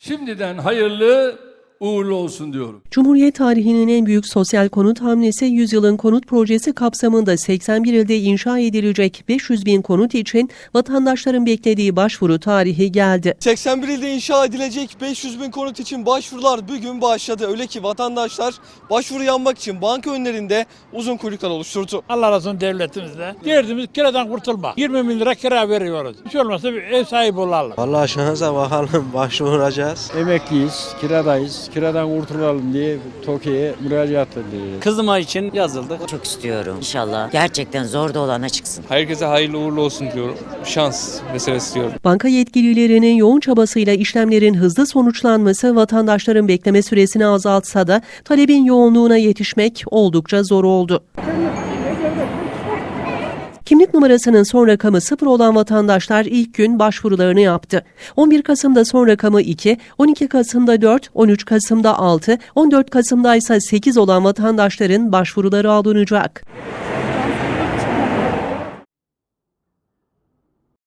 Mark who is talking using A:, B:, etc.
A: Şimdiden hayırlı uğurlu olsun diyorum.
B: Cumhuriyet tarihinin en büyük sosyal konut hamlesi Yüzyılın Konut Projesi kapsamında 81 ilde inşa edilecek 500 bin konut için vatandaşların beklediği başvuru tarihi geldi.
C: 81 ilde inşa edilecek 500 bin konut için başvurular bugün başladı. Öyle ki vatandaşlar başvuru yapmak için banka önlerinde uzun kuyruklar oluşturdu.
D: Allah razı olsun devletimizde. Derdimiz kiradan kurtulmak. 20 bin lira kira veriyoruz. Hiç olmazsa bir ev sahibi olalım.
E: Vallahi şansa bakalım, başvuracağız.
F: Emekliyiz, kiradayız. Kiradan kurtulalım diye TOKİ'ye müracaat ediyoruz.
G: Kızıma için yazıldık.
H: Çok istiyorum. İnşallah gerçekten zor da olana çıksın.
I: Herkese hayırlı uğurlu olsun diyorum. Şans meselesi diyorum.
B: Banka yetkililerinin yoğun çabasıyla işlemlerin hızlı sonuçlanması vatandaşların bekleme süresini azaltsa da talebin yoğunluğuna yetişmek oldukça zor oldu. Kimlik numarasının son rakamı 0 olan vatandaşlar ilk gün başvurularını yaptı. 11 Kasım'da son rakamı 2, 12 Kasım'da 4, 13 Kasım'da 6, 14 Kasım'da ise 8 olan vatandaşların başvuruları alınacak.